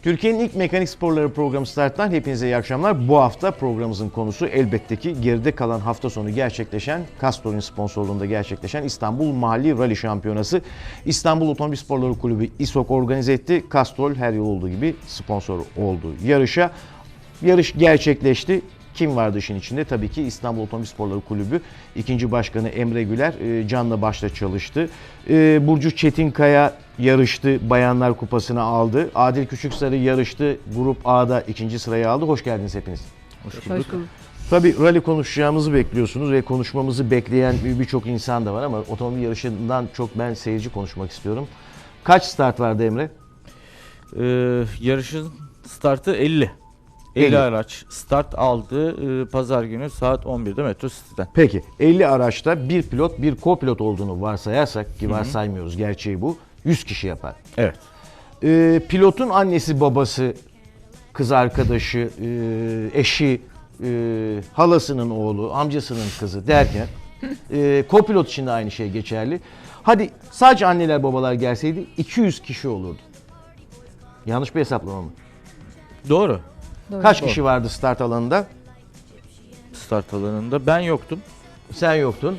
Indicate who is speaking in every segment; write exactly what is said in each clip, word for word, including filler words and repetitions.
Speaker 1: Türkiye'nin ilk mekanik sporları programı Start'tan hepinize iyi akşamlar. Bu hafta programımızın konusu elbette ki geride kalan hafta sonu gerçekleşen, Castrol'ün sponsorluğunda gerçekleşen İstanbul Mahalli Rally Şampiyonası. İstanbul Otomobil Sporları Kulübü İSOK organize etti. Castrol her yıl olduğu gibi sponsor oldu yarışa. Yarış gerçekleşti. Kim vardı işin içinde? Tabii ki İstanbul Otomobil Sporları Kulübü ikinci başkanı Emre Güler canla başla çalıştı. Burcu Çetinkaya yarıştı, Bayanlar Kupası'nı aldı. Adil Küçüksarı yarıştı, Grup A'da ikinci sırayı aldı. Hoş geldiniz hepiniz.
Speaker 2: Hoş bulduk. Hoş bulduk.
Speaker 1: Tabii rally konuşacağımızı bekliyorsunuz ve konuşmamızı bekleyen birçok insan da var ama otomobil yarışından çok ben seyirci konuşmak istiyorum. Kaç start vardı Emre?
Speaker 2: Ee, yarışın startı elli. elli, elli araç start aldı e, pazar günü saat on birde Metro City'den.
Speaker 1: Peki elli araçta bir pilot bir co-pilot olduğunu varsayarsak ki varsaymıyoruz, gerçeği bu, yüz kişi yapar.
Speaker 2: Evet.
Speaker 1: Ee, pilotun annesi, babası, kız arkadaşı, e, eşi, e, halasının oğlu, amcasının kızı derken e, co-pilot için de aynı şey geçerli. Hadi sadece anneler babalar gelseydi iki yüz kişi olurdu. Yanlış bir hesaplama mı?
Speaker 2: Doğru.
Speaker 1: Doğru. Kaç
Speaker 2: Doğru.
Speaker 1: kişi vardı start alanında?
Speaker 2: Start alanında ben yoktum.
Speaker 1: Sen yoktun.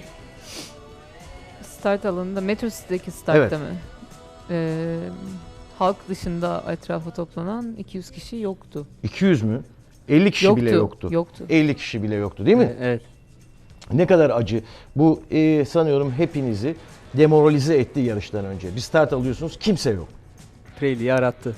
Speaker 3: Start alanında Metro City'deki startta
Speaker 1: Evet.
Speaker 3: mı? Ee, halk dışında etrafa toplanan iki yüz kişi yoktu.
Speaker 1: iki yüz mü? elli kişi
Speaker 3: yoktu.
Speaker 1: bile yoktu.
Speaker 3: Yoktu.
Speaker 1: elli kişi bile yoktu değil mi?
Speaker 2: Evet.
Speaker 1: Ne kadar acı. Bu e, sanıyorum hepinizi demoralize etti yarıştan önce. Bir start alıyorsunuz, kimse yok.
Speaker 4: Pirelli'yi arattı.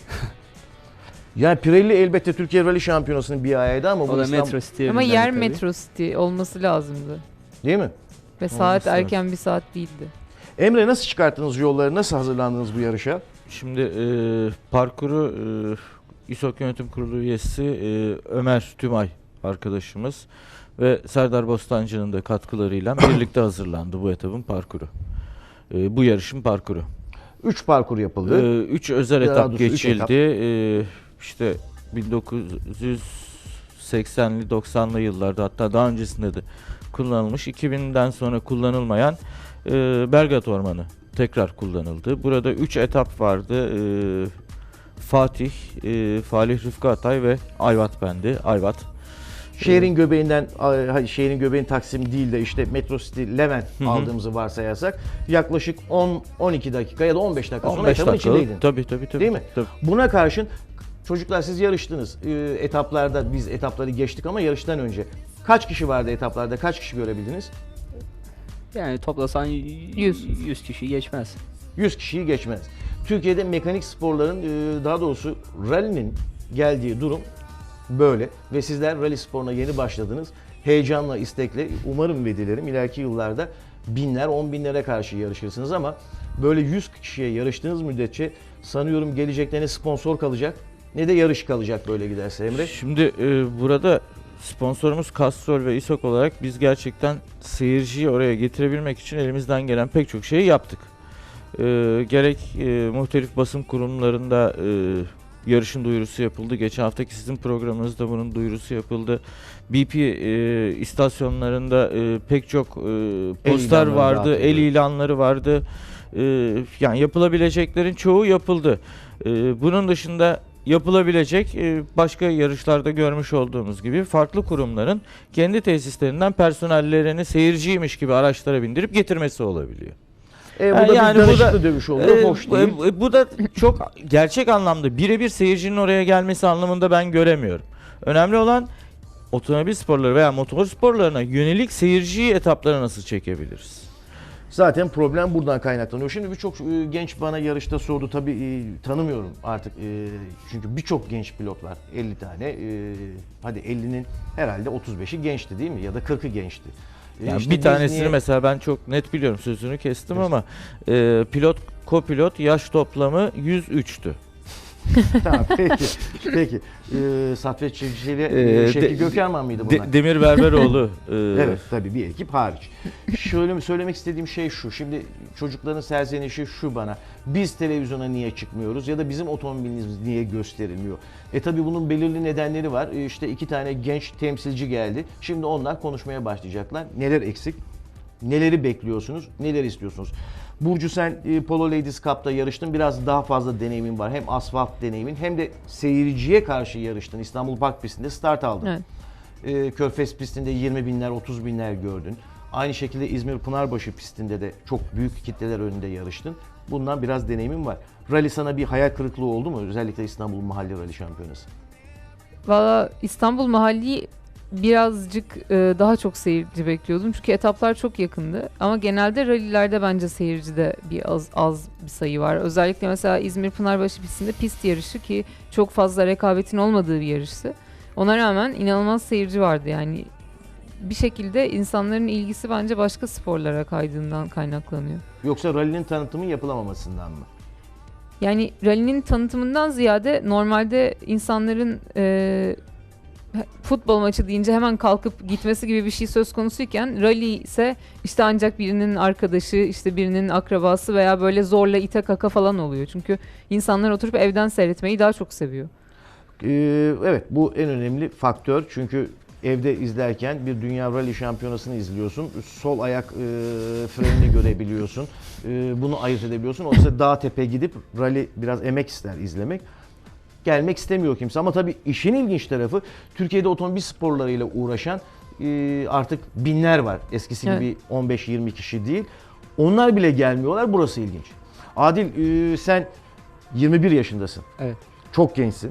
Speaker 1: Yani Pirelli elbette Türkiye Rally Şampiyonası'nın bir ayağıydı ama
Speaker 4: O
Speaker 1: bu
Speaker 4: da
Speaker 1: İstanbul...
Speaker 4: Metro City'ye
Speaker 3: Ama
Speaker 4: bindirdi
Speaker 3: yer
Speaker 4: tabii.
Speaker 3: Metro City olması lazımdı.
Speaker 1: Değil mi?
Speaker 3: Ve saat
Speaker 2: lazım.
Speaker 3: erken bir saat değildi.
Speaker 1: Emre, nasıl çıkarttınız yolları, nasıl hazırlandınız bu yarışa?
Speaker 2: Şimdi e, parkuru e, İSOK Yönetim Kurulu üyesi e, Ömer Tümay arkadaşımız ve Serdar Bostancı'nın da katkılarıyla birlikte hazırlandı bu etabın parkuru. E, bu yarışın parkuru.
Speaker 1: Üç parkur yapıldı.
Speaker 2: Ee, üç özel
Speaker 1: Daha
Speaker 2: etap
Speaker 1: doğrusu üç
Speaker 2: geçildi.
Speaker 1: etap.
Speaker 2: Ee, işte bin dokuz yüz seksenli doksanlı yıllarda, hatta daha öncesinde de kullanılmış, iki binden sonra kullanılmayan e, Belgrad Ormanı tekrar kullanıldı. Burada üç etap vardı. Ee, Fatih, e, Falih Rıfkı Atay ve Ayvat Bendi. Ayvat.
Speaker 1: Şehrin göbeğinden, hayır, şehrin göbeğin Taksim değil de işte Metro City Levent
Speaker 2: hı.
Speaker 1: aldığımızı varsayarsak yaklaşık on on iki dakika ya da on beş dakika sonra
Speaker 2: on beş
Speaker 1: etapın
Speaker 2: dakika.
Speaker 1: içindeydin.
Speaker 2: Tabii tabii tabii.
Speaker 1: Değil mi?
Speaker 2: Tabii.
Speaker 1: Buna karşın çocuklar, siz yarıştınız. Ee, etaplarda biz etapları geçtik ama yarıştan önce kaç kişi vardı etaplarda? Kaç kişi görebildiniz?
Speaker 4: Yani toplasan
Speaker 3: Yüz.
Speaker 4: yüz kişi geçmez.
Speaker 1: yüz kişiyi geçmez. Türkiye'de mekanik sporların, e, daha doğrusu rally'nin geldiği durum böyle ve sizler rally sporuna yeni başladınız. Heyecanla, istekle, umarım ve dilerim ileriki yıllarda binler, on binlere karşı yarışırsınız ama böyle yüz kişiye yarıştığınız müddetçe sanıyorum gelecekte ne sponsor kalacak ne de yarış kalacak böyle giderse Emre.
Speaker 2: Şimdi e, burada sponsorumuz Castrol ve İSOK olarak biz gerçekten seyirciyi oraya getirebilmek için elimizden gelen pek çok şeyi yaptık. E, gerek e, muhtelif basın kurumlarında e, yarışın duyurusu yapıldı. Geçen haftaki sizin programınızda bunun duyurusu yapıldı. B P e, istasyonlarında e, pek çok e, poster
Speaker 1: ilanları
Speaker 2: vardı,
Speaker 1: dağıtıldı.
Speaker 2: el ilanları vardı. E, yani yapılabileceklerin çoğu yapıldı. E, bunun dışında yapılabilecek e, başka yarışlarda görmüş olduğumuz gibi farklı kurumların kendi tesislerinden personellerini seyirciymiş gibi araçlara bindirip getirmesi olabiliyor.
Speaker 1: E, bu da
Speaker 2: yani
Speaker 1: bir
Speaker 2: bu
Speaker 1: danışıklı
Speaker 2: da-
Speaker 1: dövüş oluyor,
Speaker 2: Ee,
Speaker 1: hoş değil.
Speaker 2: bu- Bu da çok gerçek anlamda birebir seyircinin oraya gelmesi anlamında ben göremiyorum. Önemli olan otomobil sporları veya motor sporlarına yönelik seyirciyi etaplara nasıl çekebiliriz?
Speaker 1: Zaten problem buradan kaynaklanıyor. Şimdi birçok e, genç bana yarışta sordu. Tabii e, tanımıyorum artık. E, çünkü birçok genç pilot var. elli tane. E, hadi ellinin herhalde otuz beşi gençti değil mi? Ya da kırkı gençti. E,
Speaker 2: Yani
Speaker 1: işte
Speaker 2: bir
Speaker 1: biz
Speaker 2: tanesini
Speaker 1: niye-
Speaker 2: mesela ben çok net biliyorum, sözünü kestim ama e, pilot, kopilot yaş toplamı yüz üçtü.
Speaker 1: Tamam, peki. Peki. E, Saffet Çiftçi ile
Speaker 2: Ee,
Speaker 1: e, Şevki
Speaker 2: de-
Speaker 1: Gökerman mıydı
Speaker 2: De-
Speaker 1: bunlar?
Speaker 2: Demir Berberoğlu. e,
Speaker 1: Evet, tabii bir ekip hariç. Şöyle mi söylemek istediğim şey şu. Şimdi çocukların serzenişi şu bana. Biz televizyona niye çıkmıyoruz ya da bizim otomobilimiz niye gösterilmiyor? E tabii bunun belirli nedenleri var. E, işte iki tane genç temsilci geldi. Şimdi onlar konuşmaya başlayacaklar. Neler eksik? Neleri bekliyorsunuz? Neler istiyorsunuz? Burcu sen e, Polo Ladies Cup'ta yarıştın. Biraz daha fazla deneyimin var. Hem asfalt deneyimin hem de seyirciye karşı yarıştın. İstanbul Park pistinde start aldın.
Speaker 3: Evet.
Speaker 1: E, Körfez pistinde yirmi binler, otuz binler gördün. Aynı şekilde İzmir Pınarbaşı pistinde de çok büyük kitleler önünde yarıştın. Bundan biraz deneyimin var. Rally sana bir hayal kırıklığı oldu mu? Özellikle İstanbul Mahalli Rally Şampiyonası.
Speaker 3: Valla İstanbul Mahalli birazcık e, daha çok seyirci bekliyordum. Çünkü etaplar çok yakındı. Ama genelde rallilerde bence seyircide bir az, az bir sayı var. Özellikle mesela İzmir Pınarbaşı pistinde pist yarışı ki çok fazla rekabetin olmadığı bir yarıştı. Ona rağmen inanılmaz seyirci vardı yani. Bir şekilde insanların ilgisi bence başka sporlara kaydığından kaynaklanıyor.
Speaker 1: Yoksa rally'nin tanıtımı yapılamamasından mı?
Speaker 3: Yani rally'nin tanıtımından ziyade normalde insanların e, futbol maçı deyince hemen kalkıp gitmesi gibi bir şey söz konusuyken rally ise işte ancak birinin arkadaşı, işte birinin akrabası veya böyle zorla ite kaka falan oluyor. Çünkü insanlar oturup evden seyretmeyi daha çok seviyor.
Speaker 1: Ee, evet, bu en önemli faktör. Çünkü evde izlerken bir Dünya Rally Şampiyonası'nı izliyorsun. Sol ayak e, frenini görebiliyorsun. E, bunu ayırt edebiliyorsun. Oysa dağ tepe gidip rally biraz emek ister izlemek. Gelmek istemiyor kimse. Ama tabii işin ilginç tarafı Türkiye'de otomobil sporlarıyla uğraşan e, artık binler var. Eskisi
Speaker 3: Evet.
Speaker 1: gibi on beş yirmi kişi değil. Onlar bile gelmiyorlar. Burası ilginç. Adil, e, sen yirmi bir yaşındasın.
Speaker 4: Evet.
Speaker 1: Çok gençsin.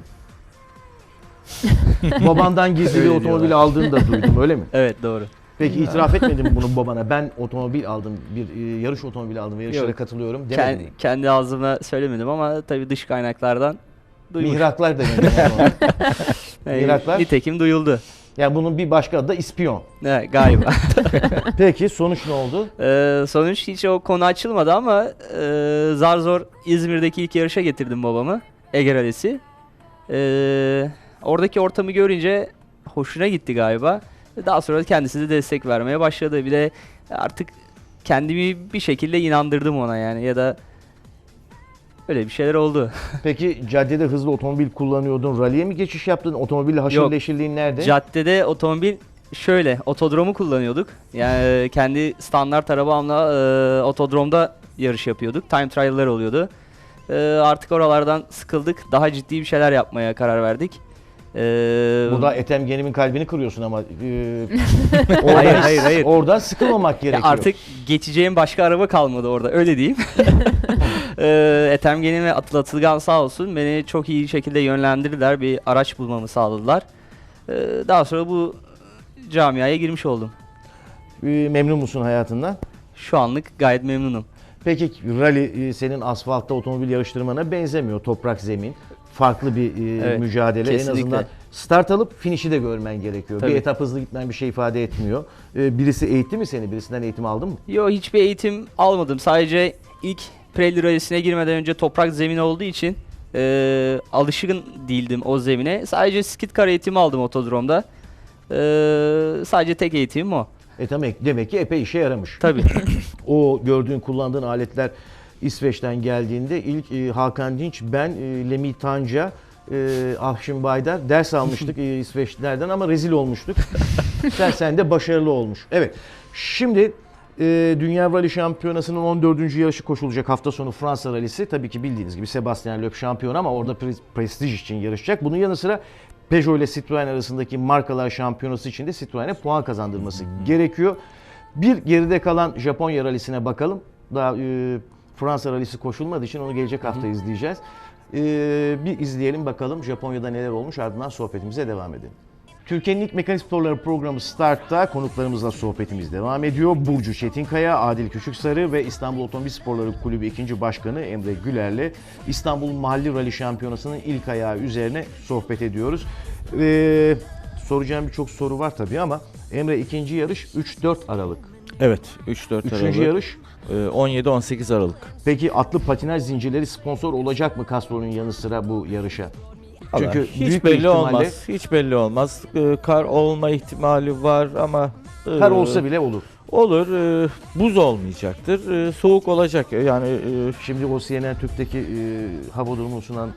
Speaker 1: Babandan gizli bir
Speaker 4: Öyle
Speaker 1: otomobil
Speaker 4: diyorlar.
Speaker 1: aldığını da duydum, öyle mi?
Speaker 4: Evet, doğru.
Speaker 1: Peki itiraf etmedin mi bunu babana? Ben otomobil aldım, bir e, yarış otomobili aldım ve yarışlara
Speaker 4: Yok.
Speaker 1: katılıyorum demedin
Speaker 4: Kendi,
Speaker 1: mi?
Speaker 4: kendi ağzımla söylemedim ama tabii dış kaynaklardan duymuş.
Speaker 1: Mihraklar demedim o zaman.
Speaker 4: Yani
Speaker 1: mihraklar.
Speaker 4: Nitekim duyuldu.
Speaker 1: Yani bunun bir başka adı da ispiyon.
Speaker 4: Evet, galiba.
Speaker 1: Peki sonuç ne oldu?
Speaker 4: Ee, sonuç hiç o konu açılmadı ama e, zar zor İzmir'deki ilk yarışa getirdim babamı. Ege Rally'si. Ee, oradaki ortamı görünce hoşuna gitti galiba. Daha sonra kendisi de destek vermeye başladı. Bir de artık kendimi bir şekilde inandırdım ona yani ya da öyle bir şeyler oldu.
Speaker 1: Peki caddede hızlı otomobil kullanıyordun, rally'e mi geçiş yaptın? Otomobille haşır
Speaker 4: Yok.
Speaker 1: neşirliğin nerede?
Speaker 4: Caddede otomobil şöyle otodromu kullanıyorduk. Yani kendi standart arabamla e, otodromda yarış yapıyorduk. Time trial'lar oluyordu. E, artık oralardan sıkıldık. Daha ciddi bir şeyler yapmaya karar verdik. E,
Speaker 1: Burada Ethem Genim'in kalbini kırıyorsun ama e,
Speaker 4: Hayır, hayır, hayır.
Speaker 1: oradan sıkılmamak
Speaker 4: ya
Speaker 1: gerekiyor.
Speaker 4: artık geçeceğim başka araba kalmadı orada, öyle diyeyim. e, Ethem Genim ve Atıl Atılgan sağ olsun beni çok iyi şekilde yönlendirdiler. Bir araç bulmamı sağladılar. E, daha sonra bu camiaya girmiş oldum.
Speaker 1: E, memnun musun hayatından?
Speaker 4: Şu anlık gayet memnunum.
Speaker 1: Peki rally e, senin asfaltta otomobil yarıştırmana benzemiyor. Toprak zemin. Farklı bir e,
Speaker 4: Evet,
Speaker 1: mücadele. En
Speaker 4: kesinlikle.
Speaker 1: azından start alıp finişi de görmen gerekiyor.
Speaker 4: Tabii.
Speaker 1: Bir etap hızlı gitmen bir şey ifade etmiyor. E, birisi eğitti mi seni? Birisinden eğitim aldın mı?
Speaker 4: Yo, hiçbir eğitim almadım. Sadece ilk Pirelli Rally'sine girmeden önce toprak zemin olduğu için e, alışkın değildim o zemine. Sadece skid car eğitimi aldım otodromda. E, sadece tek eğitimim o.
Speaker 1: E demek, demek ki epey işe yaramış.
Speaker 4: Tabii.
Speaker 1: O gördüğün, kullandığın aletler İsveç'ten geldiğinde ilk e, Hakan Dinç, ben, e, Lemi Tanca, e, Ahşin Baydar ders almıştık e, İsveçlilerden ama rezil olmuştuk. sen, sen de başarılı olmuş. Evet, şimdi e, Dünya Rally Şampiyonası'nın on dördüncü yarışı koşulacak hafta sonu Fransa Rally'si. Tabii ki bildiğiniz gibi Sebastian Loeb şampiyon ama orada pre- prestij için yarışacak. Bunun yanı sıra Peugeot ile Citroen arasındaki markalar şampiyonası için de Citroen'e puan kazandırması gerekiyor. Bir geride kalan Japonya Rally'sine bakalım. Daha e, Fransa Rally'si koşulmadığı için onu gelecek hafta izleyeceğiz. E, bir izleyelim bakalım Japonya'da neler olmuş, ardından sohbetimize devam edelim. Türkiye'nin ilk mekanik sporları programı Start'ta konuklarımızla sohbetimiz devam ediyor. Burcu Çetinkaya, Adil Küçüksarı ve İstanbul Otomobil Sporları Kulübü ikinci Başkanı Emre Güler'le İstanbul Mahalli Rally Şampiyonası'nın ilk ayağı üzerine sohbet ediyoruz. Ee, soracağım birçok soru var tabii ama Emre, ikinci yarış üç dört Aralık.
Speaker 2: Evet, üç dört
Speaker 1: Üçüncü
Speaker 2: Aralık.
Speaker 1: yarış.
Speaker 2: Ee, on yedi on sekiz Aralık.
Speaker 1: Peki atlı patinaj zincirleri sponsor olacak mı Castro'nun yanı sıra bu yarışa? Çünkü
Speaker 2: Vallahi hiç
Speaker 1: büyük bir
Speaker 2: belli
Speaker 1: ihtimalle
Speaker 2: olmaz. Hiç belli olmaz. Ee, kar olma ihtimali var ama e,
Speaker 1: kar olsa bile olur.
Speaker 2: olur. E, buz olmayacaktır. E, soğuk olacak. Yani e,
Speaker 1: Şimdi o C N N Türk'teki e, hava durumunu sunan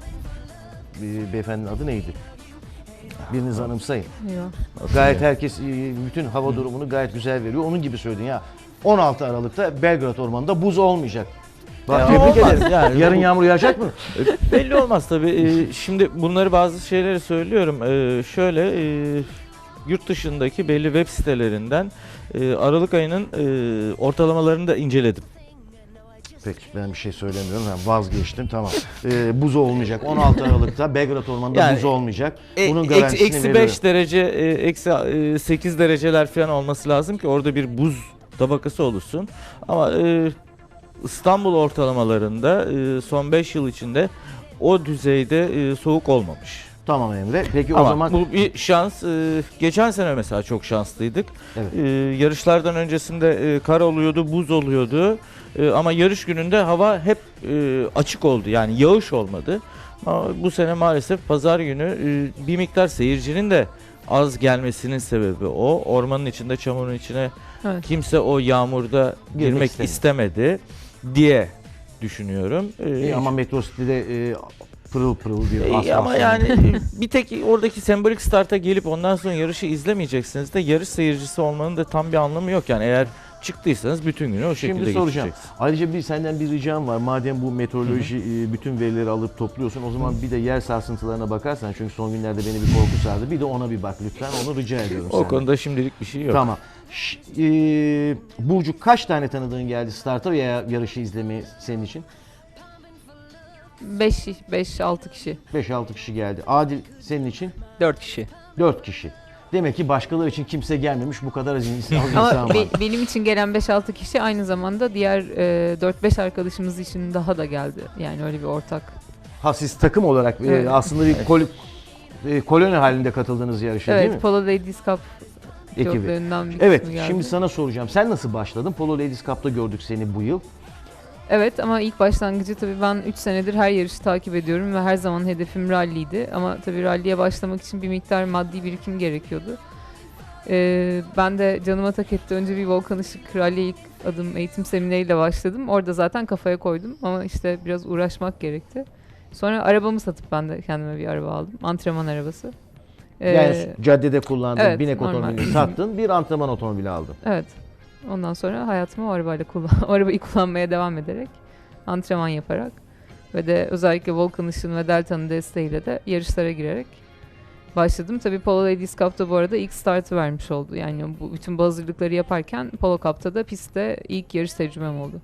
Speaker 1: e, beyefendinin adı neydi? Biriniz anımsayın.
Speaker 3: Eyvah.
Speaker 1: Gayet herkes e, bütün hava durumunu gayet güzel veriyor. Onun gibi söyledin ya. on altı Aralık'ta Belgrad Ormanı'nda buz olmayacak. Bak,
Speaker 2: Ya
Speaker 1: tebrik
Speaker 2: olmaz
Speaker 1: ederim.
Speaker 2: yani.
Speaker 1: Yarın yağmur yağacak mı?
Speaker 2: Belli olmaz tabii. Ee, şimdi bunları bazı şeyleri söylüyorum. Ee, şöyle e, yurt dışındaki belli web sitelerinden e, Aralık ayının e, ortalamalarını da inceledim.
Speaker 1: Peki ben bir şey söylemiyorum. Ben vazgeçtim. Tamam. Ee, buz olmayacak. on altı Aralık'ta Belgrad Ormanı'nda
Speaker 2: Yani,
Speaker 1: buz olmayacak.
Speaker 2: E,
Speaker 1: Bunun
Speaker 2: eksi-
Speaker 1: garantisini
Speaker 2: Eksi
Speaker 1: veriyorum.
Speaker 2: beş derece, e, eksi e, sekiz dereceler falan olması lazım ki orada bir buz tabakası oluşsun. Ama e, İstanbul ortalamalarında e, son beş yıl içinde o düzeyde e, soğuk olmamış.
Speaker 1: Tamam Emre. Peki
Speaker 2: Ama
Speaker 1: o zaman
Speaker 2: bu bir şans. E, geçen sene mesela çok şanslıydık.
Speaker 1: Evet.
Speaker 2: E, yarışlardan öncesinde e, kar oluyordu, buz oluyordu. E, ama yarış gününde hava hep e, açık oldu. Yani yağış olmadı. Ama bu sene maalesef pazar günü e, bir miktar seyircinin de az gelmesinin sebebi o. Ormanın içinde, çamurun içine
Speaker 3: Evet.
Speaker 2: kimse o yağmurda girmek
Speaker 1: istemiyor.
Speaker 2: istemedi diye düşünüyorum. E,
Speaker 1: İyi ama Metro City'de e, pırıl pırıl bir
Speaker 2: e,
Speaker 1: asfalt.
Speaker 2: ama yani e, bir tek oradaki sembolik starta gelip ondan sonra yarışı izlemeyeceksiniz de yarış seyircisi olmanın da tam bir anlamı yok yani eğer çıktıysanız bütün günü o şekilde
Speaker 1: Şimdi soracağım.
Speaker 2: geçeceksiniz.
Speaker 1: Ayrıca bir senden bir ricam var. Madem bu meteoroloji e, bütün verileri alıp topluyorsun, o zaman bir de yer sarsıntılarına bakarsan, çünkü son günlerde beni bir korku sardı. Bir de ona bir bak lütfen. Onu rica ediyorum
Speaker 2: O
Speaker 1: senden.
Speaker 2: konuda şimdilik bir şey yok.
Speaker 1: Tamam. Ş- e, Burcu, kaç tane tanıdığın geldi starta veya yarışı izlemeye senin için?
Speaker 3: beş altı kişi.
Speaker 1: beş altı kişi geldi. Adil, senin için?
Speaker 4: dört kişi.
Speaker 1: dört kişi. Demek ki başkaları için kimse gelmemiş, bu kadar az insan, az insan
Speaker 3: Ama
Speaker 1: var.
Speaker 3: be- benim için gelen beş altı kişi aynı zamanda diğer e, dört beş arkadaşımız için daha da geldi. Yani öyle bir ortak.
Speaker 1: Ha, siz takım olarak e,
Speaker 3: Evet.
Speaker 1: aslında bir kol, e, koloni halinde katıldığınız yarışa değil mi?
Speaker 3: Evet, Polo Ladies Cup
Speaker 1: Ekibi.
Speaker 3: pilotlarından bir
Speaker 1: Evet,
Speaker 3: kısmı geldi.
Speaker 1: şimdi sana soracağım. Sen nasıl başladın? Polo Ladies Cup'ta gördük seni bu yıl.
Speaker 3: Evet ama ilk başlangıcı tabii ben üç senedir her yarışı takip ediyorum ve her zaman hedefim ralliydi. Ama tabii ralliye başlamak için bir miktar maddi birikim gerekiyordu. Ee, ben de canıma tak etti. Önce bir Volkan Işık ralliye ilk adım eğitim semineriyle başladım. Orada zaten kafaya koydum ama işte biraz uğraşmak gerekti. Sonra arabamı satıp ben de kendime bir araba aldım. Antrenman arabası. Ee,
Speaker 1: Yani caddede kullandığın
Speaker 3: evet,
Speaker 1: binek
Speaker 3: normal.
Speaker 1: otomobilini sattın, bir antrenman otomobili aldın.
Speaker 3: Evet. Ondan sonra hayatımı o arabayla kullan o arabayı kullanmaya devam ederek, antrenman yaparak ve de özellikle Volkan Işık'ın ve Delta'nın desteğiyle de yarışlara girerek başladım. Tabii Polo Ladies Cup'ta bu arada ilk startı vermiş oldu. Yani bu bütün bu hazırlıkları yaparken Polo Cup'ta da pistte ilk yarış tecrübem oldu.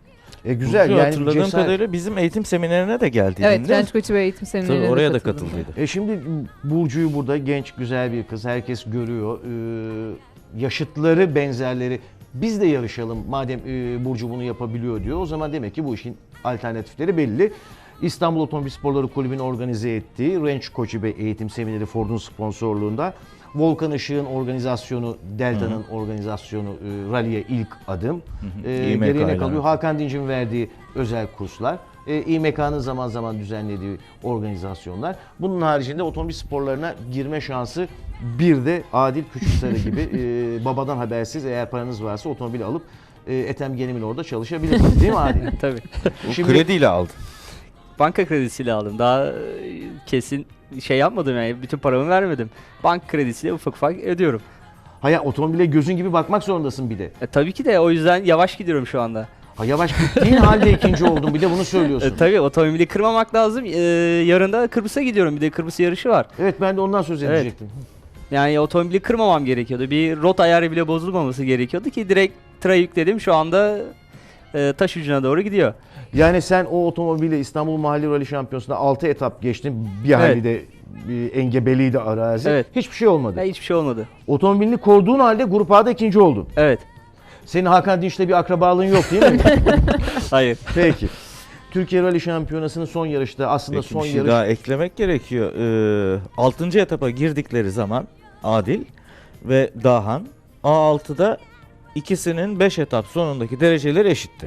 Speaker 1: E güzel
Speaker 2: Burcu,
Speaker 1: yani
Speaker 2: hatırladığım
Speaker 1: cesaret.
Speaker 2: kadarıyla bizim eğitim seminerine de geldi.
Speaker 3: Evet, genç koçu ve eğitim
Speaker 2: Tabii
Speaker 3: seminerine
Speaker 2: oraya da
Speaker 3: katıldım.
Speaker 2: katıldıydı.
Speaker 1: E şimdi Burcu'yu burada genç, güzel bir kız. Herkes görüyor. Ee, yaşıtları, benzerleri. Biz de yarışalım madem e, Burcu bunu yapabiliyor diyor. O zaman demek ki bu işin alternatifleri belli. İstanbul Otomobil Sporları Kulübü'nün organize ettiği Range Koçu ve Eğitim Semineri Ford'un sponsorluğunda Volkan Işık'ın organizasyonu, Delta'nın organizasyonu, e, rally'e ilk adım. E,
Speaker 2: İ M K
Speaker 1: geriye ne
Speaker 2: ile.
Speaker 1: kalıyor? Hakan Dinc'in verdiği özel kurslar. E, İ M K'nın zaman zaman düzenlediği organizasyonlar. Bunun haricinde otomobil sporlarına girme şansı bir de Adil Küçüksarı gibi e, babadan habersiz, eğer paranız varsa otomobil alıp e, Ethem Genim'in orada çalışabilirsiniz değil mi Adil?
Speaker 4: Tabii.
Speaker 2: Bu
Speaker 1: Şimdi-
Speaker 2: krediyle aldı.
Speaker 4: Banka kredisiyle aldım. Daha e, kesin şey yapmadım yani. Bütün paramı vermedim. Banka kredisiyle ufak ufak ödüyorum.
Speaker 1: Hayır, otomobile gözün gibi bakmak zorundasın bir de.
Speaker 4: E, tabii ki de o yüzden yavaş gidiyorum şu anda.
Speaker 1: Ha, yavaş gittiğin halde ikinci oldun, bir de bunu söylüyorsun.
Speaker 4: E, tabii otomobili kırmamak lazım. E, yarın da Kıbrıs'a gidiyorum. Bir de Kıbrıs yarışı var.
Speaker 1: Evet, ben de ondan söz
Speaker 4: Evet.
Speaker 1: edecektim.
Speaker 4: Yani otomobili kırmamam gerekiyordu. Bir rot ayarı bile bozulmaması gerekiyordu ki direkt tıra yükledim. Şu anda e, taş ucuna doğru gidiyor.
Speaker 1: Yani sen o otomobille İstanbul Mahalli Rally Şampiyonası'nda altı etap geçtin. Bir hali de bir engebeliydi arazi.
Speaker 4: Evet.
Speaker 1: Hiçbir şey olmadı.
Speaker 4: Ya hiçbir şey olmadı.
Speaker 1: Otomobilini koruduğun halde Grup A'da ikinci oldun.
Speaker 4: Evet.
Speaker 1: Senin Hakan Dinç'le bir akrabalığın yok değil mi?
Speaker 4: Hayır.
Speaker 1: Peki. Türkiye Rally Şampiyonası'nın son yarışta aslında
Speaker 2: Peki,
Speaker 1: son
Speaker 2: bir şey
Speaker 1: yarış...
Speaker 2: daha eklemek gerekiyor. Ee, altıncı etapa girdikleri zaman Adil ve Dahan A altıda ikisinin beş etap sonundaki dereceleri eşitti.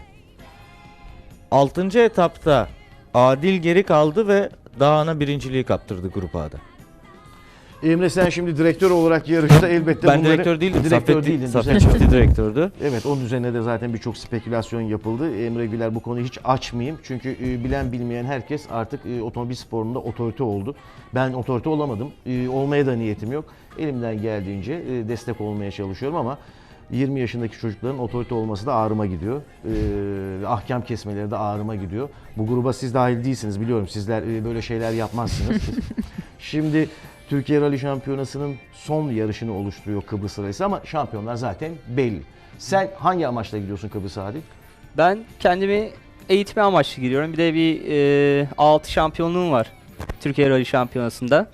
Speaker 2: altıncı etapta Adil geri kaldı ve Dahan'a birinciliği kaptırdı Grup A'da.
Speaker 1: Emre, sen şimdi direktör olarak yarışta elbette
Speaker 2: Ben
Speaker 1: bunları...
Speaker 2: direktör değildim.
Speaker 1: Direktör
Speaker 2: Saffet,
Speaker 1: değildin.
Speaker 2: Saffet
Speaker 1: düzeltiyorum.
Speaker 2: Çiftli direktördü.
Speaker 1: Evet, onun üzerine de zaten birçok spekülasyon yapıldı. Emre Güler, bu konuyu hiç açmayayım. Çünkü e, bilen bilmeyen herkes artık e, otomobil sporunda otorite oldu. Ben otorite olamadım. E, olmaya da niyetim yok. Elimden geldiğince e, destek olmaya çalışıyorum ama yirmi yaşındaki çocukların otorite olması da ağrıma gidiyor. Ee, ahkam kesmeleri de ağrıma gidiyor. Bu gruba siz dahil değilsiniz biliyorum. Sizler e, böyle şeyler yapmazsınız. Şimdi Türkiye Rally Şampiyonası'nın son yarışını oluşturuyor Kıbrıs Rally'si ama şampiyonlar zaten belli. Sen hangi amaçla gidiyorsun Kıbrıs'a Adil?
Speaker 4: Ben kendimi eğitme amaçlı giriyorum. Bir de bir e, A altı şampiyonluğum var Türkiye Rally Şampiyonası'nda.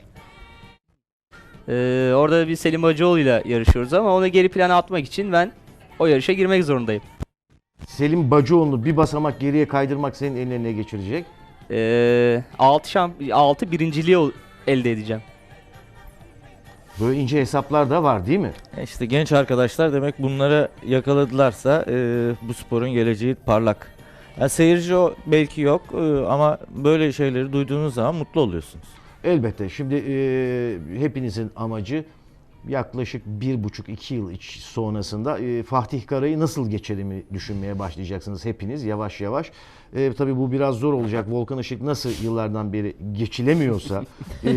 Speaker 4: E, orada bir Selim Hacıoğlu ile yarışıyoruz ama onu geri plana atmak için ben o yarışa girmek zorundayım.
Speaker 1: Selim Bacıoğlu'nu bir basamak geriye kaydırmak senin eline geçirecek.
Speaker 4: E, A altı, şamp A altı birinciliği ol- elde edeceğim.
Speaker 1: Böyle ince hesaplar da var değil mi?
Speaker 2: E İşte genç arkadaşlar demek bunları yakaladılarsa e, bu sporun geleceği parlak. Yani seyirci o belki yok e, ama böyle şeyleri duyduğunuz zaman mutlu oluyorsunuz.
Speaker 1: Elbette. Şimdi e, hepinizin amacı yaklaşık bir buçuk iki yıl iç sonrasında e, Fatih Karay'ı nasıl geçerimi düşünmeye başlayacaksınız hepiniz yavaş yavaş. E, tabii bu biraz zor olacak. Volkan Işık nasıl yıllardan beri geçilemiyorsa e,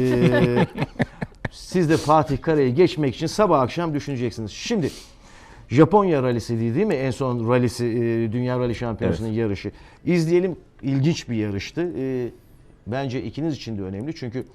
Speaker 1: siz de Fatih Karay'ı geçmek için sabah akşam düşüneceksiniz. Şimdi Japonya rallisi değil, değil mi? En son rallisi e, Dünya Rally Şampiyonası'nın
Speaker 2: Evet.
Speaker 1: yarışı. İzleyelim. İlginç bir yarıştı. E, bence ikiniz için de önemli. Çünkü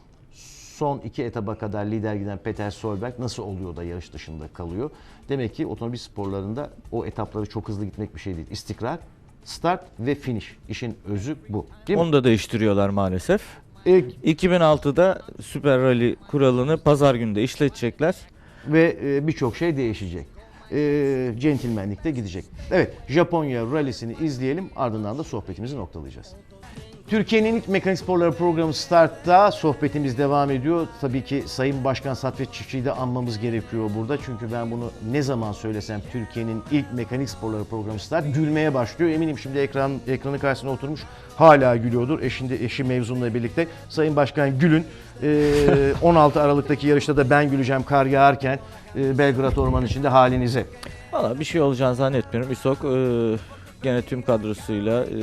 Speaker 1: son iki etaba kadar lider giden Peter Solberg nasıl oluyor da yarış dışında kalıyor? Demek ki otomobil sporlarında o etapları çok hızlı gitmek bir şey değil. İstikrar, start ve finish. İşin özü bu. Değil mi?
Speaker 2: Onu da değiştiriyorlar maalesef.
Speaker 1: E,
Speaker 2: iki bin altıda Süper Rally kuralını pazar günü de işletecekler.
Speaker 1: ve e, birçok şey değişecek. E, centilmenlik de gidecek. Evet, Japonya rallisini izleyelim, ardından da sohbetimizi noktalayacağız. Türkiye'nin ilk mekanik sporları programı Start'ta sohbetimiz devam ediyor. Tabii ki Sayın Başkan Saffet Çiftçi'yi de anmamız gerekiyor burada. Çünkü ben bunu ne zaman söylesem Türkiye'nin ilk mekanik sporları programı Start gülmeye başlıyor. Eminim şimdi ekran ekranı karşısına oturmuş hala gülüyordur. Eşinde eşi mevzumla birlikte. Sayın Başkan gülün. Ee, on altı Aralık'taki yarışta da ben güleceğim kar yağarken e, Belgrad Ormanı içinde halinize.
Speaker 2: Valla bir şey olacağını zannetmiyorum. İSOK e, gene tüm kadrosuyla e,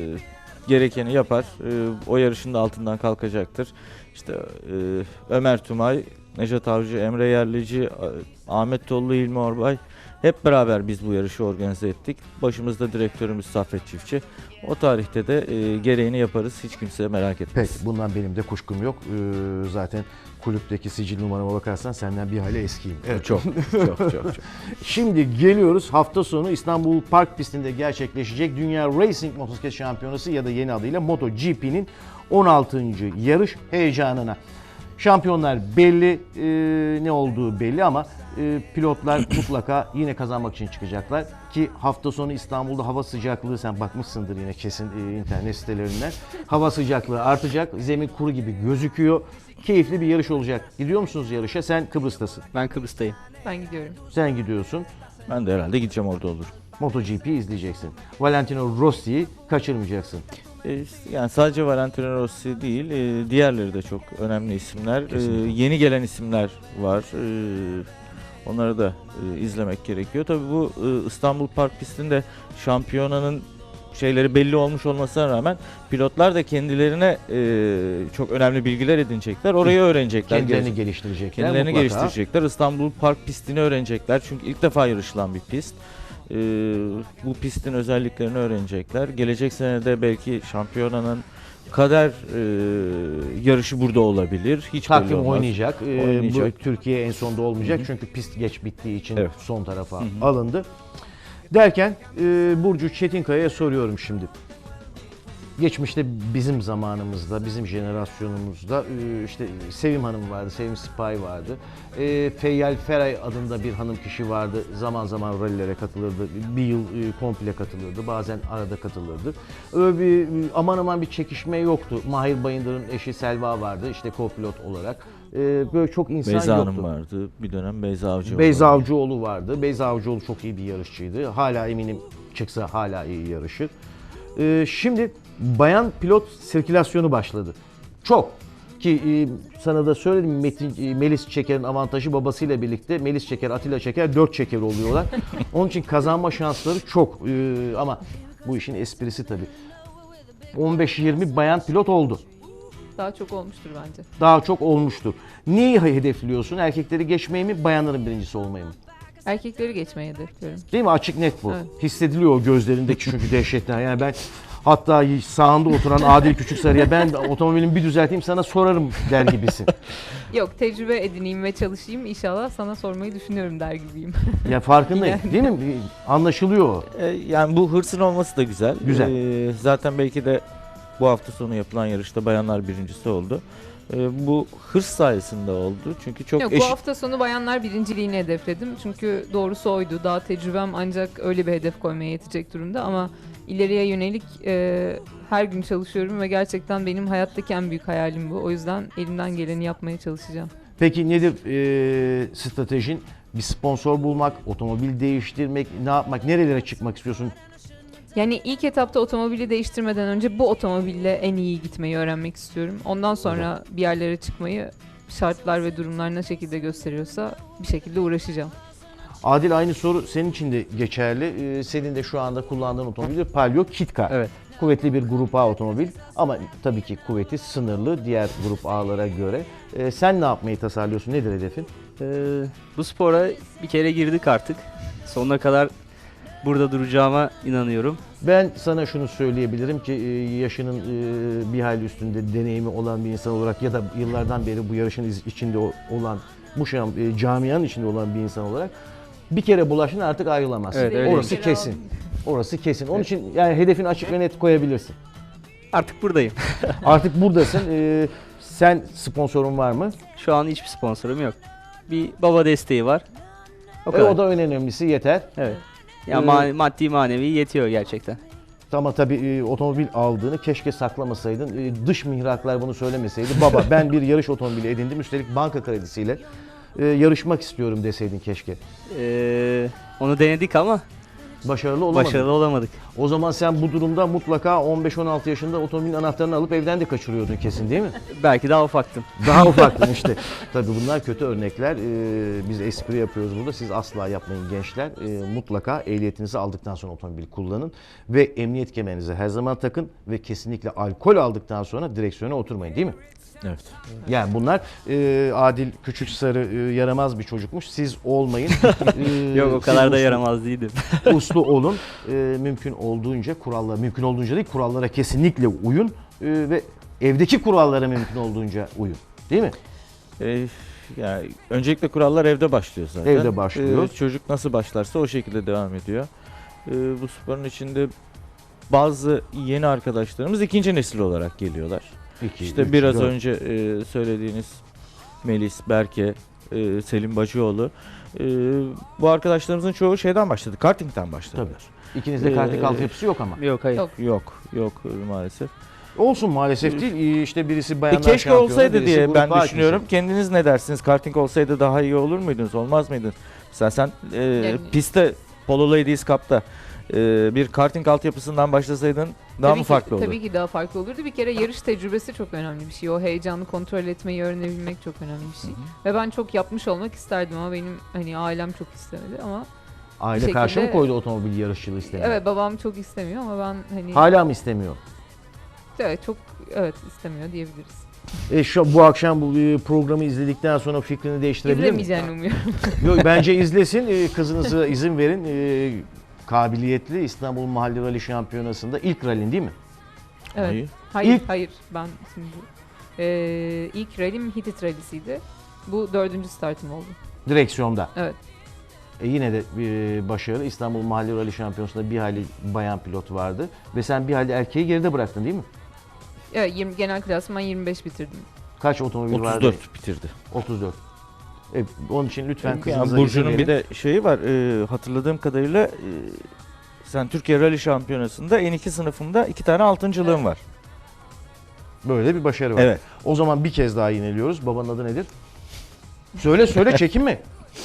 Speaker 2: gerekeni yapar. E, o yarışın da altından kalkacaktır. İşte e, Ömer Tumay, Nejat Avcı, Emre Yerlici, A- Ahmet Tollu, İlmi Orbay hep beraber biz bu yarışı organize ettik. Başımızda direktörümüz Saffet Çiftçi. O tarihte de e, gereğini yaparız. Hiç kimse merak etmez.
Speaker 1: Peki, bundan benim de kuşkum yok. Ee, zaten kulüpteki sicil numarama bakarsan senden bir hale eskiyim. Evet.
Speaker 2: Çok, çok, çok, çok.
Speaker 1: Şimdi geliyoruz hafta sonu İstanbul Park pistinde gerçekleşecek Dünya Racing Motosiklet Şampiyonası ya da yeni adıyla MotoGP'nin on altıncı yarış heyecanına. Şampiyonlar belli, e, ne olduğu belli ama e, pilotlar mutlaka yine kazanmak için çıkacaklar. Ki hafta sonu İstanbul'da hava sıcaklığı, sen bakmışsındır yine kesin e, internet sitelerinden. Hava sıcaklığı artacak, zemin kuru gibi gözüküyor. Keyifli bir yarış olacak. Gidiyor musunuz yarışa? Sen Kıbrıs'tasın.
Speaker 4: Ben Kıbrıs'tayım.
Speaker 3: Ben gidiyorum.
Speaker 1: Sen gidiyorsun.
Speaker 2: Ben de herhalde gideceğim, orada olurum.
Speaker 1: MotoGP izleyeceksin. Valentino Rossi'yi kaçırmayacaksın.
Speaker 2: E, Yani sadece Valentino Rossi değil, e, diğerleri de çok önemli isimler. E,
Speaker 1: Kesinlikle.
Speaker 2: yeni gelen isimler var. E, onları da e, izlemek gerekiyor. Tabii bu e, İstanbul Park pistinde şampiyonanın şeyleri belli olmuş olmasına rağmen pilotlar da kendilerine e, çok önemli bilgiler edinecekler. Orayı öğrenecekler.
Speaker 1: Kendilerini
Speaker 2: Gez-
Speaker 1: geliştirecekler.
Speaker 2: Kendilerini
Speaker 1: mutlaka.
Speaker 2: geliştirecekler. İstanbul Park pistini öğrenecekler. Çünkü ilk defa yarışılan bir pist. Ee, bu pistin özelliklerini öğrenecekler. Gelecek senede belki şampiyonanın kader e, yarışı burada olabilir. Hiç belli
Speaker 1: Takvim
Speaker 2: olmaz.
Speaker 1: oynayacak. Ee,
Speaker 2: Oynayacak.
Speaker 1: Bu Türkiye en sonda olmayacak çünkü pist geç bittiği için
Speaker 2: Evet.
Speaker 1: son tarafa alındı. Derken e, Burcu Çetinkaya'ya soruyorum şimdi. Geçmişte bizim zamanımızda, bizim jenerasyonumuzda e, işte Sevim Hanım vardı, Sevim Sipahi vardı. E, Feyyal Feray adında bir hanım kişi vardı. Zaman zaman rallilere katılırdı. Bir yıl e, komple katılırdı. Bazen arada katılırdı. Öyle bir aman aman bir çekişme yoktu. Mahir Bayındır'ın eşi Selva vardı işte co-pilot olarak. E, böyle çok insan
Speaker 2: Beyza
Speaker 1: yoktu.
Speaker 2: Hanım vardı. Bir dönem Beyza Avcı
Speaker 1: Beyza
Speaker 2: vardı.
Speaker 1: Avcıoğlu vardı. Beyza Avcıoğlu çok iyi bir yarışçıydı. Hala eminim çıksa hala iyi yarışır. Ee, şimdi bayan pilot sirkülasyonu başladı. Çok. Ki e, sana da söyledim, Metin, e, Melis Çeker'in avantajı babasıyla birlikte Melis Çeker, Atilla Çeker dört Çeker oluyorlar. Onun için kazanma şansları çok. Ee, ama bu işin esprisi tabii. on beş yirmi bayan pilot oldu.
Speaker 3: Daha çok olmuştur bence.
Speaker 1: Daha çok olmuştur. Neyi hedefliyorsun? Erkekleri geçmeyi mi, bayanların birincisi olmayı mı?
Speaker 3: Erkekleri geçmeyi hedefliyorum.
Speaker 1: Değil mi? Açık net bu.
Speaker 3: Evet.
Speaker 1: Hissediliyor o gözlerindeki çünkü dehşetten. Yani ben hatta sağında oturan Adil Küçüksarı'ya ben otomobilimi bir düzelteyim sana sorarım der gibisin.
Speaker 3: Yok, tecrübe edineyim ve çalışayım. İnşallah sana sormayı düşünüyorum der gibiyim.
Speaker 1: Ya farkındayım.
Speaker 3: Yani.
Speaker 1: Değil mi? Anlaşılıyor o.
Speaker 2: E, yani bu hırsın olması da güzel.
Speaker 1: Güzel.
Speaker 2: E, zaten belki de bu hafta sonu yapılan yarışta bayanlar birincisi oldu. E, bu hırs sayesinde oldu. Çünkü çok
Speaker 3: Yok,
Speaker 2: eşit.
Speaker 3: bu hafta sonu bayanlar birinciliğini hedefledim. Çünkü doğrusu oydu. Daha tecrübem ancak öyle bir hedef koymaya yetecek durumda ama ileriye yönelik e, her gün çalışıyorum ve gerçekten benim hayattaki en büyük hayalim bu. O yüzden elimden geleni yapmaya çalışacağım.
Speaker 1: Peki nedir e, stratejin? Bir sponsor bulmak, otomobil değiştirmek, ne yapmak, nerelere çıkmak istiyorsun?
Speaker 3: Yani ilk etapta otomobili değiştirmeden önce bu otomobille en iyi gitmeyi öğrenmek istiyorum. Ondan sonra bir yerlere çıkmayı şartlar ve durumlar ne şekilde gösteriyorsa bir şekilde uğraşacağım.
Speaker 1: Adil, aynı soru senin için de geçerli. Ee, senin de şu anda kullandığın otomobil Palio Kit-Car.
Speaker 4: Evet.
Speaker 1: Kuvvetli bir grup A otomobil ama tabii ki kuvveti sınırlı diğer grup A'lara göre. Ee, sen ne yapmayı tasarlıyorsun? Nedir hedefin?
Speaker 4: Ee, bu spora bir kere girdik artık. Sonuna kadar burada duracağıma inanıyorum.
Speaker 1: Ben sana şunu söyleyebilirim ki e, yaşının e, bir hayli üstünde deneyimi olan bir insan olarak ya da yıllardan beri bu yarışın iz- içinde o- olan, bu şam, e, camianın içinde olan bir insan olarak bir kere bulaşın artık ayrılamazsın.
Speaker 4: Evet, öyle.
Speaker 1: Orası
Speaker 3: Bir kere
Speaker 1: kesin.
Speaker 3: aldım.
Speaker 1: Orası kesin. Onun için yani hedefini açık ve net koyabilirsin.
Speaker 4: Artık buradayım.
Speaker 1: Artık buradasın. Ee, sen sponsorun var mı?
Speaker 4: Şu an hiçbir sponsorum yok. Bir baba desteği var. O
Speaker 1: E,
Speaker 4: kadar.
Speaker 1: o da en önemlisi, yeter.
Speaker 4: Evet. Ya
Speaker 1: Ee,
Speaker 4: ma- maddi manevi yetiyor gerçekten.
Speaker 1: Ama tabii e, otomobil aldığını keşke saklamasaydın. E, dış mihraklar bunu söylemeseydi. Baba ben bir yarış otomobili edindim. Üstelik banka kredisiyle e, yarışmak istiyorum deseydin keşke.
Speaker 4: Ee, onu denedik ama
Speaker 1: Başarılı olamadın.
Speaker 4: başarılı olamadık.
Speaker 1: O zaman sen bu durumda mutlaka on beş on altı yaşında otomobilin anahtarını alıp evden de kaçırıyordun kesin, değil mi?
Speaker 4: Belki daha ufaktım.
Speaker 1: Daha ufaktın işte. Tabii bunlar kötü örnekler. Ee, biz espri yapıyoruz burada. Siz asla yapmayın gençler. Ee, mutlaka ehliyetinizi aldıktan sonra otomobil kullanın. Ve emniyet kemerinizi her zaman takın. Ve kesinlikle alkol aldıktan sonra direksiyona oturmayın, değil mi?
Speaker 2: Evet.
Speaker 1: Yani bunlar e, Adil Küçüksarı e, yaramaz bir çocukmuş. Siz olmayın. Ee,
Speaker 4: Yok o
Speaker 1: siz
Speaker 4: kadar da
Speaker 1: uslu-
Speaker 4: yaramaz değildim.
Speaker 1: Uslu olun. Ee, mümkün olduğunca kurallara, mümkün olduğunca değil kurallara kesinlikle uyun. Ee, ve evdeki kurallara mümkün olduğunca uyun. Değil mi?
Speaker 2: E, yani öncelikle kurallar evde başlıyor zaten.
Speaker 1: Evde başlıyor.
Speaker 2: E, çocuk nasıl başlarsa o şekilde devam ediyor. E, bu sporun içinde bazı yeni arkadaşlarımız ikinci nesil olarak geliyorlar.
Speaker 1: İki,
Speaker 2: İşte
Speaker 1: üç,
Speaker 2: biraz
Speaker 1: dört.
Speaker 2: önce e, söylediğiniz Melis, Berke, e, Selim Bacıoğlu. E, bu arkadaşlarımızın çoğu şeyden başladı, kartingden başladılar.
Speaker 1: İkinizde karting
Speaker 2: Ee,
Speaker 1: altyapısı yok ama.
Speaker 4: Yok hayır.
Speaker 3: Yok.
Speaker 2: Yok, yok e, maalesef.
Speaker 1: Olsun maalesef değil. Ee, İşte birisi
Speaker 2: E,
Speaker 1: bayanlar
Speaker 2: keşke
Speaker 1: şampiyonu,
Speaker 2: olsaydı
Speaker 1: birisi
Speaker 2: diye
Speaker 1: grup
Speaker 2: ben
Speaker 1: A
Speaker 2: düşünüyorum.
Speaker 1: ikincisi.
Speaker 2: Kendiniz ne dersiniz? Karting olsaydı daha iyi olur muydunuz, olmaz mıydınız? Mesela sen e,
Speaker 3: Yani-
Speaker 2: pistte Polo Ladies Cup'ta e, bir karting altyapısından başlasaydın daha
Speaker 3: Tabii
Speaker 2: mı
Speaker 3: ki-
Speaker 2: farklı olurdu?
Speaker 3: Tabii ki daha farklı olurdu. Bir kere yarış tecrübesi çok önemli bir şey. O heyecanı kontrol etmeyi öğrenebilmek çok önemli bir şey. Ve ben çok yapmış olmak isterdim ama benim hani ailem çok istemedi ama
Speaker 1: Aile
Speaker 3: şekilde-
Speaker 1: karşı mı koydu otomobil yarışçılığı istemiyor?
Speaker 3: evet, babam çok istemiyor ama ben hani
Speaker 1: Hala mı istemiyor?
Speaker 3: evet, çok evet istemiyor diyebiliriz.
Speaker 1: E şu bu akşam bu e, programı izledikten sonra fikrini değiştirebilir mi?
Speaker 3: İzlemeyeceğini umuyorum.
Speaker 1: Yok, bence izlesin. E, kızınıza izin verin. E, kabiliyetli İstanbul Mahalli Rally Şampiyonası'nda ilk rallin değil mi?
Speaker 3: Evet.
Speaker 2: Hayır.
Speaker 3: Hayır,
Speaker 1: İlk-
Speaker 3: hayır. Ben şimdi eee ilk rallim Hitit rallisiydi. Bu dördüncü startım oldu.
Speaker 1: Direksiyonda.
Speaker 3: Evet.
Speaker 1: E yine de e, başarılı. İstanbul Mahalli Rally Şampiyonası'nda bir hayli bayan pilot vardı. Ve sen bir hayli erkeği geride bıraktın değil mi?
Speaker 3: Evet, yirmi, genel klasman yirmi beş bitirdim.
Speaker 1: Kaç otomobil vardı?
Speaker 2: otuz dört bitirdi.
Speaker 1: otuz dört. E, onun için lütfen
Speaker 2: Yani
Speaker 1: kızınıza izin
Speaker 2: Burcu'nun
Speaker 1: verin.
Speaker 2: bir de şeyi var. e, hatırladığım kadarıyla e, sen Türkiye Rally Şampiyonası'nda N iki sınıfında iki tane altıncılığın var.
Speaker 1: Böyle bir başarı var.
Speaker 2: Evet.
Speaker 1: O zaman bir kez daha yineliyoruz. Babanın adı nedir? Söyle söyle, çekinme.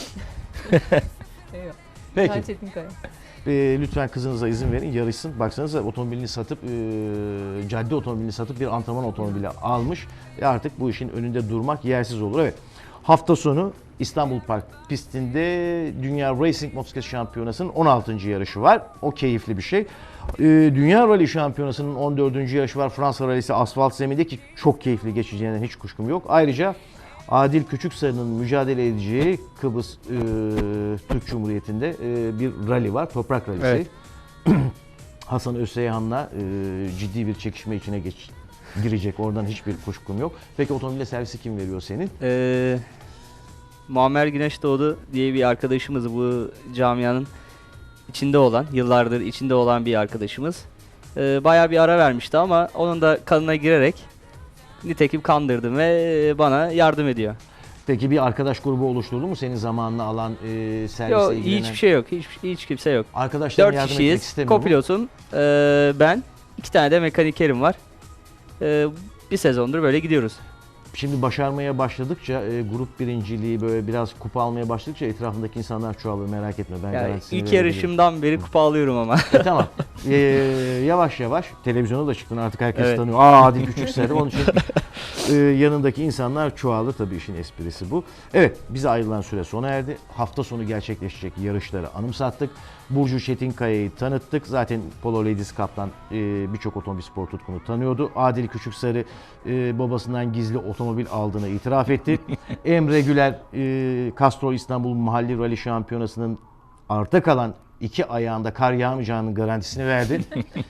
Speaker 3: Eyvah.
Speaker 1: Peki.
Speaker 3: Ben Çetinkaya.
Speaker 1: E, lütfen kızınıza izin verin, yarışsın. Baksanıza otomobilini satıp, e, cadde otomobilini satıp bir antrenman otomobili almış. E artık bu işin önünde durmak yersiz olur. Evet. Hafta sonu İstanbul Park pistinde Dünya Racing Motosiklet Şampiyonası'nın on altıncı yarışı var. O keyifli bir şey. E, Dünya Rally Şampiyonası'nın on dördüncü yarışı var. Fransa Rally'si asfalt zeminde ki çok keyifli geçeceğinden hiç kuşkum yok. Ayrıca Adil Küçüksarı'nın mücadele edeceği Kıbrıs e, Türk Cumhuriyeti'nde e, bir rally var. Toprak rallisi.
Speaker 2: Evet.
Speaker 1: Hasan Özseyhan'la e, ciddi bir çekişme içine geç, girecek. Oradan hiçbir kuşkum yok. Peki otomobile servisi kim veriyor senin?
Speaker 4: Ee, Muammer Güneşdoğdu diye bir arkadaşımız, bu camianın içinde olan, yıllardır içinde olan bir arkadaşımız. Ee, bayağı bir ara vermişti ama onun da kanına girerek nitekim kandırdım ve bana yardım ediyor.
Speaker 1: Peki bir arkadaş grubu oluşturdu mu senin zamanını alan e, servise
Speaker 4: Yok,
Speaker 1: ilgilenen?
Speaker 4: hiçbir şey yok. Hiç, hiç kimse yok.
Speaker 1: Arkadaşların
Speaker 4: Dört
Speaker 1: yardım etmek
Speaker 4: kişiyiz.
Speaker 1: istemiyor mu?
Speaker 4: Kopilotum, ee, ben, iki tane de mekanikerim var. Ee, bir sezondur böyle gidiyoruz.
Speaker 1: Şimdi başarmaya başladıkça, e, grup birinciliği böyle biraz kupa almaya başladıkça etrafındaki insanlar çoğalır, merak etme. Ben
Speaker 4: Yani
Speaker 1: garantisini
Speaker 4: ilk
Speaker 1: verebilirim.
Speaker 4: yarışımdan beri kupa alıyorum ama.
Speaker 1: E, tamam. E, yavaş yavaş televizyona da çıktın, artık herkes
Speaker 4: Evet.
Speaker 1: tanıyor. Aa, Adil Küçüksarı. Onun için e, yanındaki insanlar çoğalır, tabii işin esprisi bu. Evet, bize ayrılan süre sona erdi. Hafta sonu gerçekleşecek yarışları anımsattık. Burcu Çetinkaya'yı tanıttık. Zaten Polo Ladies Cup'tan e, birçok otomobil spor tutkunu tanıyordu. Adil Küçüksarı e, babasından gizli otomobil aldığını itiraf etti. Emre Güler, e, Castrol İstanbul Mahalli Rally Şampiyonası'nın arta kalan iki ayağında kar yağmayacağının garantisini verdi.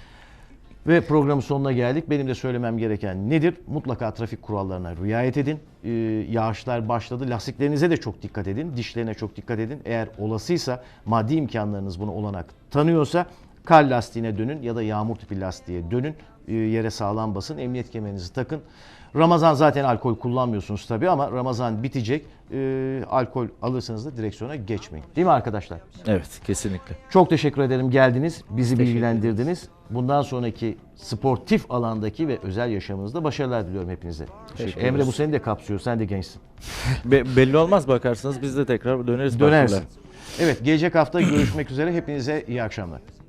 Speaker 1: Ve programın sonuna geldik. Benim de söylemem gereken nedir? Mutlaka trafik kurallarına riayet edin. Ee, yağışlar başladı. Lastiklerinize de çok dikkat edin. Dişlerine çok dikkat edin. Eğer olasıysa, maddi imkanlarınız bunu olanak tanıyorsa kar lastiğine dönün ya da yağmur tipi lastiğe dönün. Ee, yere sağlam basın. Emniyet kemerinizi takın. Ramazan zaten alkol kullanmıyorsunuz tabii ama Ramazan bitecek. Ee, alkol alırsanız da direksiyona geçmeyin. Değil mi arkadaşlar?
Speaker 2: Evet, kesinlikle.
Speaker 1: Çok teşekkür ederim, geldiniz, bizi
Speaker 4: Teşekkür
Speaker 1: bilgilendirdiniz. Bundan sonraki sportif alandaki ve özel yaşamınızda başarılar diliyorum hepinize.
Speaker 2: Teşekkür
Speaker 1: Emre,
Speaker 2: ederiz.
Speaker 1: bu seni de kapsıyor, sen de gençsin.
Speaker 2: Be- belli olmaz, bakarsanız biz de tekrar döneriz.
Speaker 1: Dönersin.
Speaker 2: başvurulara.
Speaker 1: Evet, gelecek hafta görüşmek üzere, hepinize iyi akşamlar.